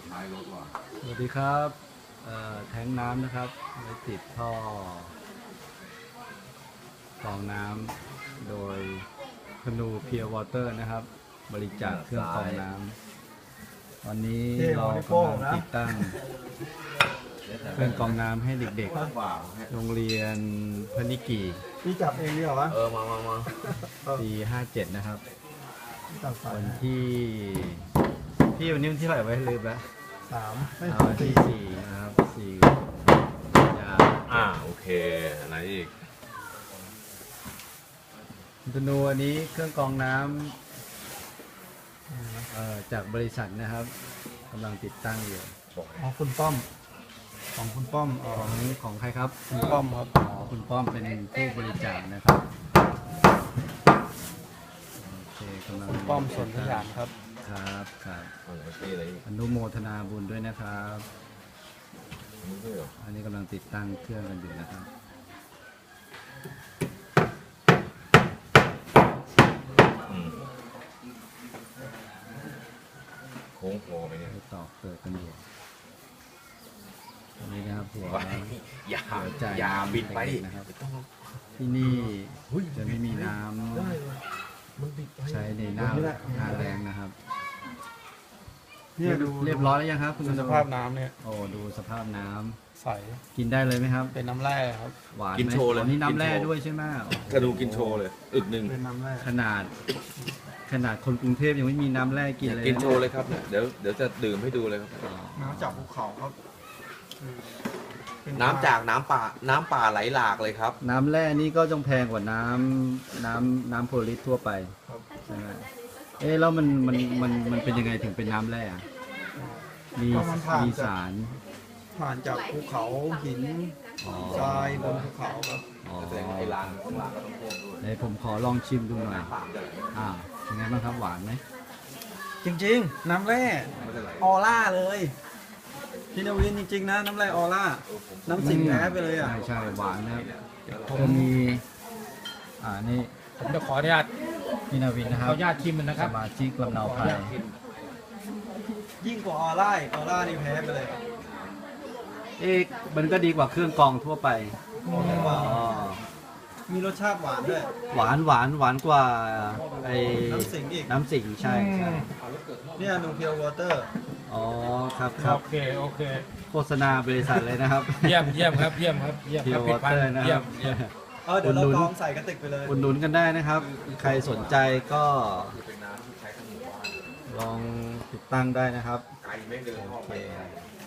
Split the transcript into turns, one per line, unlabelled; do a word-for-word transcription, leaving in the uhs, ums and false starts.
สวัสดีครับแทงน้ำนะครับไว้ติดท่อฟองน้ำโดยคนูเพียววอเตอร์นะครับบริจาคเครื่องกรองน้ำวันนี้เรากำลังติดตั้งเครื่องกรองน้ำให้เด็กๆโรงเรียนพนิกี
พี่จับเองดีเหรอวะ
เออมามามา
ปีห้าเจ็ดนะครับวันที่พี่วันนี้วันที่เท่าไหร่ไว้ลืมแล้ว
สาม
วันที่สี่นะครับสี่ยา
อ่าโอเคไหนอีก
ธนูอันนี้เครื่องกรองน้ำจากบริษัทนะครับกำลังติดตั้งอยู่
ของคุณป้อมของคุณป้อม
ของของใครครับ
คุณป้อมครับ
อ๋อคุณป้อมเป็นผู้บริจาคนะครับโอเคกำลัง
ป้อมส่วนขยันครับ
ครับครับอนุโมทนาบุญด้วยนะครับอันนี้กำลังติดตั้งเครื่องกันอยู่นะครับ
โค้งคอไปเนี่ย
ต่อเกิดกันอยู่อันนี้นะครับหัว
อย่าอย่าบินไป
นะครับที่นี่จะไม่มีน้ำใช้ในหน้าหน้าแรงนะครับเนี่ยดูเรียบร้อยแล้วยังครับคุณ
สภาพน้ำเนี่ย
โอ้ดูสภาพน้ำ
ใส
กินได้เลยไหมครับ
เป็นน้ำแร่ครับ
หวานกินโชว์เลยนี่น้ำแร่ด้วยใช่ไหม
กระดูกินโชว์เลยอึกหนึ่ง
เป็นน้ำแร่
ขนาดขนาดคนกรุงเทพยังไม่มีน้ำแร่กินเลย
กินโชว์เลยครับเดี๋ยวเดี๋ยวจะดื่มให้ดูเลยครับ
น้ำจากภูเขาครับ
น้ำจากน้ำป่าน้ำป่าไหลหลากเลยครับ
น้ำแร่นี่ก็ต้องแพงกว่าน้ำน้ำน้ำโพลิสทั่วไปใช่ไหมเอ๊ะแล้วมันมันมันมันเป็นยังไงถึงเป็นน้ำแร่มีมีสาร
ผ่านจากภูเขาหินทรายบนภูเขาครับ
อ๋อไอ้ลานเดี๋ยวผมขอลองชิมดูหน่อยอ่าเป็นไงบ้างครับหวานไหม
จริงๆน้ำแร่ออร่าเลยพี่นวินจริงๆนะน้ำแร่ออร่าน้ำสิงแท้ไปเลยอ่ะ
ใช่ใช่หวานนะครับผมมีอ่านี่
ผมจะขออนุญาต
พี่นวินนะครับ
ขออนุญาตชิมมันนะครับ
สมาชิกลำเนาไพร
ยิ่งกว่าออร่าออร่านี่แพ้ไปเลย
เอ๊ะมันก็ดีกว่าเครื่องกรองทั่วไป
มีรสชาติหวานด้วย
หวานหวานหวานกว่าไอ้
น้ำสิงอีก
น้ำสิงใช่ใช่
เนี่ยนูเพียววอเตอร์
อ๋อครับครับ
โอเคโอเค
โฆษณาบริษัทเลยนะครับ
เยี่ยมเยี่ยมครับเยี่ยมครับเยี่ยมครับ
ผิดพันนะครับ
เออเดี๋ยวเราลองใส่กระติกไปเลย
อุดหนุนกันได้นะครับใครสนใจก็ลองติดตั้งได้นะครับโอเค